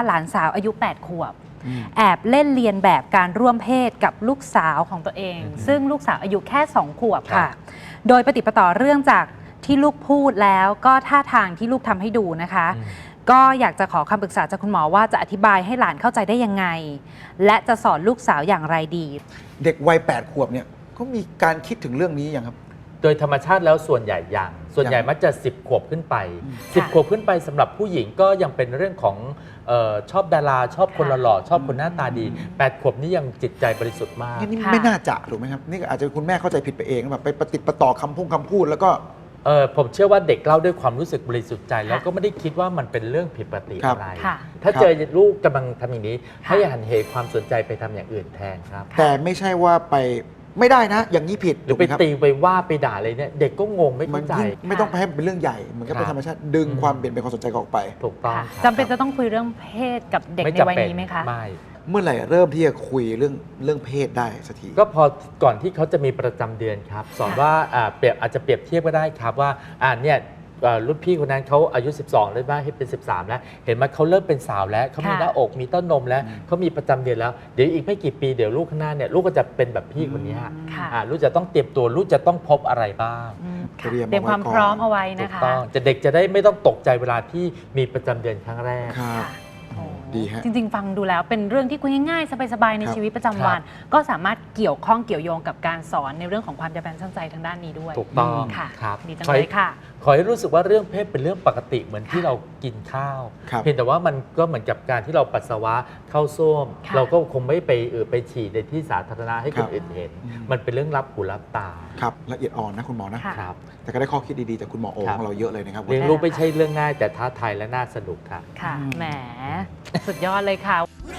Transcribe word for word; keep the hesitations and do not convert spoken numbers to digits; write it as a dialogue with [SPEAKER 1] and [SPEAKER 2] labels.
[SPEAKER 1] หลานสาวอายุแปดขวบแอบเล่นเลียนแบบการร่วมเพศกับลูกสาวของตัวเองซึ่งลูกสาวอายุแค่สองขวบค่ะโดยปฏิปต่อเรื่องจากที่ลูกพูดแล้วก็ท่าทางที่ลูกทำให้ดูนะคะก็อยากจะขอคำปรึกษาจากคุณหมอว่าจะอธิบายให้หลานเข้าใจได้ยังไงและจะสอนลูกสาวอย่างไรดี
[SPEAKER 2] เด็กวัยแปดขวบเนี่ยเขามีการคิดถึงเรื่องนี้ยังครับ
[SPEAKER 3] โดยธรรมชาติแล้วส่วนใหญ่ยังส่วนใหญ่มักจะสิบขวบขึ้นไปสิบขวบขึ้นไปสำหรับผู้หญิงก็ยังเป็นเรื่องของเอ่อชอบดาราชอบคนหล่อชอบคนหน้าตาดีแปดขวบนี้ยังจิตใจบริสุทธิ์มาก
[SPEAKER 2] นี่ไม่น่าจะถูกไหมครับนี่อาจจะคุณแม่เข้าใจผิดไปเองแบบไปประติดประต่อคำพูดคำพูดแล้วก็
[SPEAKER 3] เออผมเชื่อว่าเด็กเล่าด้วยความรู้สึกบริสุทธิ์ใจแล้วก็ไม่ได้คิดว่ามันเป็นเรื่องผิดปกติอะไรถ้าเจอลูกกำลังทำอย่างนี้ให้หันเหความสนใจไปทำอย่างอื่นแทนครับ
[SPEAKER 2] แต่ไม่ใช่ว่าไปไม่ได้นะอย่างนี้ผิด
[SPEAKER 3] หรือไปตีไปว่าไปด่าอะไรเนี่ยเด็กก็งงไม่เข้าใจ
[SPEAKER 2] ไม่ต้องไปให้เป็นเรื่องใหญ่เหมือนกับเป็นธรรมชาติดึงความเปลี่ยนเป็นความสนใจออกไป
[SPEAKER 3] ถูกต้อง
[SPEAKER 1] จำเป็นจะต้องคุยเรื่องเพศกับเด็กในวัยนี้ไหมคะ
[SPEAKER 3] ไม่
[SPEAKER 2] เมื่อไหร่เริ่มที่จะคุยเรื่องเรื่องเพศได้สักที
[SPEAKER 3] ก็พอก่อนที่เขาจะมีประจำเดือนครับสอนว่าเปรียบอาจจะเปรียบเทียบก็ได้ครับว่าอ่าเนี่ยรุ่นพี่คนนั้นเขาอายุสิบสองเลยว่าให้เป็นสิบสามแล้วเห็นไหมเขาเริ่มเป็นสาวแล้วเขามีหน้าอกมีเต้านมแล้วเขามีประจำเดือนแล้วเดี๋ยวอีกไม่กี่ปีเดี๋ยวลูกข้างหน้าเนี่ยลูกก็จะเป็นแบบพี่คนนี้ฮะลูกจะต้องเตรียมตัวลูกจะต้องพบอะไรบ้าง
[SPEAKER 1] เตรียมความพร้อมเอาไว้นะคะถูกต้อง
[SPEAKER 3] จะเด็กจะได้ไม่ต้องตกใจเวลาที่มีประจำเดือนครั้งแรก
[SPEAKER 1] จริงๆฟังดูแล้วเป็นเรื่องที่คุยง่ายๆสบายๆในชีวิตประจำวันก็สามารถเกี่ยวข้องเกี่ยวโยงกับการสอนในเรื่องของความจำเป็นช่างใจทางด้านนี้ด้วย
[SPEAKER 3] ถูกต้อง
[SPEAKER 1] ค่ะ
[SPEAKER 3] ครับ
[SPEAKER 1] ดีจังเลยค่ะ
[SPEAKER 3] ขอให้รู้สึกว่าเรื่องเพศเป็นเรื่องปกติเหมือนที่เรากินข้าวเพียงแต่ว่ามันก็เหมือนกับการที่เราปัสสาวะเข้าส้วมเราก็คงไม่ไปเออไปฉี่ในที่สาธารณะให้คนอื่นเห็นมันเป็นเรื่องรับหูรับตา
[SPEAKER 2] ครับละเอียดอ่อนนะคุณหมอนะครับแต่ก็ได้ข้อคิดดีๆจากคุณหมอโอของเราเยอะเลยนะครับ
[SPEAKER 3] เลี้ยงลูกไม่ใช่เรื่องง่ายแต่ท้าทายและน่าสนุกค่ะ
[SPEAKER 1] ค่ะแหมสุดยอดเลยค่ะ